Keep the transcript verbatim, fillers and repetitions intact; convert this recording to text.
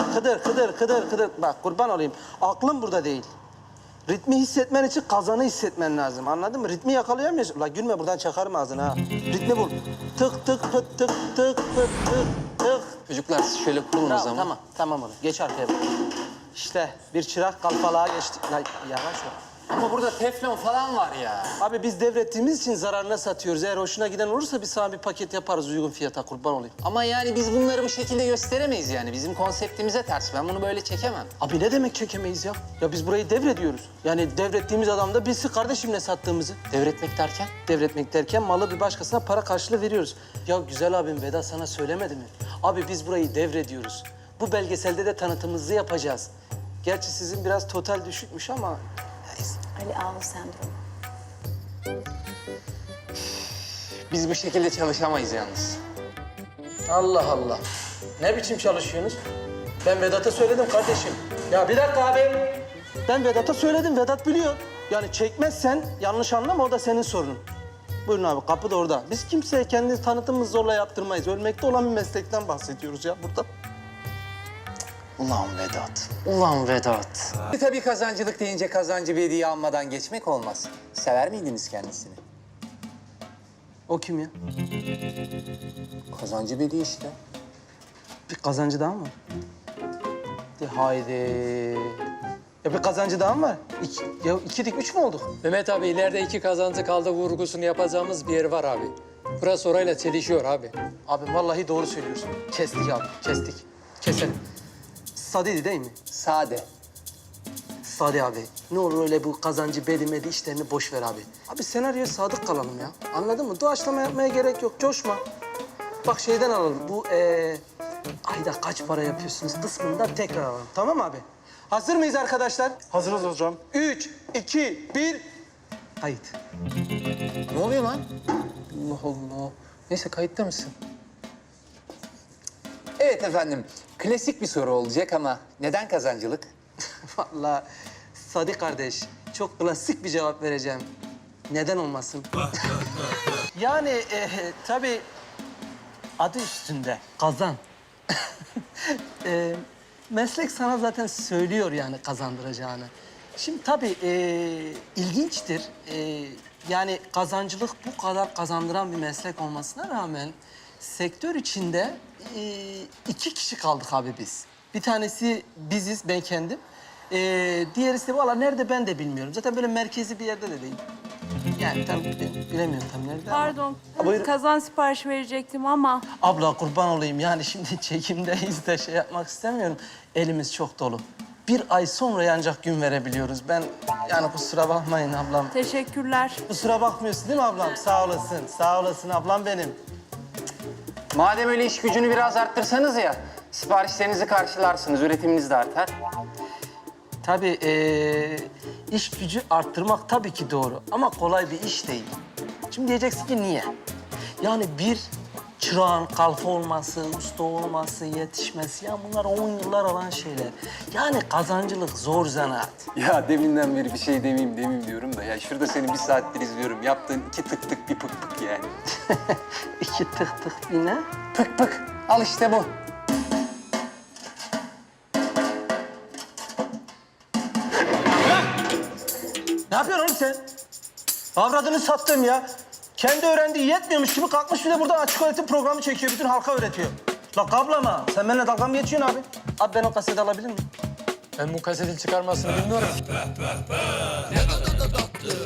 Bak Kıdır, Kıdır, Kıdır, Kıdır. Bak kurban olayım. Aklım burada değil. Ritmi hissetmen için kazanı hissetmen lazım. Anladın mı? Ritmi yakalayamıyorsun. Ulan gülme buradan çakarım ağzını ha. Ritmi bul. Tık tık pıt tık tık pıt tık tık. Çocuklar siz şöyle kurulun o Tamam, zaman. tamam, tamam oğlum. Geç arkaya bak. İşte bir çırak kalfalığa geçtik. Lan yavaş ol. Ama burada teflon falan var ya. Abi biz devrettiğimiz için zararına satıyoruz. Eğer hoşuna giden olursa biz sana bir paket yaparız uygun fiyata, kurban olayım. Ama yani biz bunları bu şekilde gösteremeyiz yani. Bizim konseptimize ters. Ben bunu böyle çekemem. Abi ne demek çekemeyiz ya? Ya biz burayı devrediyoruz. Yani devrettiğimiz adam da bilsin kardeşim ne sattığımızı. Devretmek derken? Devretmek derken malı bir başkasına para karşılığı veriyoruz. Ya güzel abim Vedat sana söylemedi mi? Abi biz burayı devrediyoruz. Bu belgeselde de tanıtımımızı yapacağız. Gerçi sizin biraz total düşükmüş ama... neyse. Ali Ağul sendromu. Biz bu şekilde çalışamayız yalnız. Allah Allah. Ne biçim çalışıyorsunuz? Ben Vedat'a söyledim kardeşim. Ya bir dakika abi. Ben Vedat'a söyledim, Vedat biliyor. Yani çekmezsen yanlış anlama, o da senin sorunun. Buyurun abi, kapı da orada. Biz kimseye kendi tanıtımımızı zorla yaptırmayız. Ölmekte olan bir meslekten bahsediyoruz ya burada. Ulan Vedat. Ulan Vedat. Tabii kazancılık deyince kazancı bir hediye almadan geçmek olmaz. Sever miydiniz kendisini? O kim ya? Kazancı bir hediye işte. Bir kazancı daha mı var? De haydi. Ya bir kazancı daha mı var? İki, ya iki dik üç mü olduk? Mehmet abi ileride iki kazancı kaldı vurgusunu yapacağımız bir yer var abi. Burası orayla çelişiyor abi. Abi vallahi doğru söylüyorsun. Kestik abi, kestik. Keselim. Sadiydi değil mi? Sade. Sadi abi, ne olur öyle bu kazancı, bedimedi işlerini boş ver abi. Abi senaryoya sadık kalalım ya. Anladın mı? Doğaçlama yapmaya gerek yok, coşma. Bak şeyden alalım, bu ee, ayda kaç para yapıyorsunuz kısmından tekrar alalım. Tamam mı abi? Hazır mıyız arkadaşlar? Hazırız hocam. Üç, iki, bir, kayıt. Ne oluyor lan? Allah Allah. Neyse kayıtta mısın? Evet efendim. Klasik bir soru olacak ama neden kazancılık? Vallahi Sadi kardeş, çok klasik bir cevap vereceğim. Neden olmasın? yani e, tabii adı üstünde kazan. e, meslek sana zaten söylüyor yani kazandıracağını. Şimdi tabii e, ilginçtir. E, yani kazancılık bu kadar kazandıran bir meslek olmasına rağmen sektör içinde e, iki kişi kaldık abi biz. Bir tanesi biziz, ben kendim. Ee, diğerisi de valla nerede ben de bilmiyorum. Zaten böyle merkezi bir yerde de değil. Yani tam bilemiyorum tam nerede ama. Pardon, Ha, buyurun. kazan siparişi verecektim ama Abla kurban olayım yani şimdi çekimdeyiz de şey yapmak istemiyorum. Elimiz çok dolu. Bir ay sonra ancak gün verebiliyoruz. Ben yani kusura bakmayın ablam. teşekkürler. Kusura bakmıyorsun değil mi ablam? Sağ olasın, sağ olasın ablam benim. Madem öyle iş gücünü biraz arttırsanız ya, siparişlerinizi karşılarsınız, üretiminiz de artar. Tabii ee, iş gücü arttırmak tabii ki doğru ama kolay bir iş değil. Şimdi diyeceksin ki niye? Yani bir çırağın kalfa olması, usta olması, yetişmesi ya bunlar on yıllar alan şeyler. Yani kazancılık zor zanaat. Ya deminden beri bir şey demeyeyim demeyeyim diyorum da ya şurada seni bir saattir izliyorum. Yaptığın iki tık tık bir pık pık yani. İki tık tık bir ne? Pık pık. Al işte bu. Ne yapıyorsun oğlum sen? Avradını sattım ya. Kendi öğrendiği yetmiyormuş gibi kalkmış bir de buradan açık öğretim programı çekiyor. Bütün halka öğretiyor. La kablama. Sen benimle dalga mı geçiyorsun abi? Abi ben o kaseti alabilir miyim? Ben bu kasetin çıkarmasını bilmiyorum.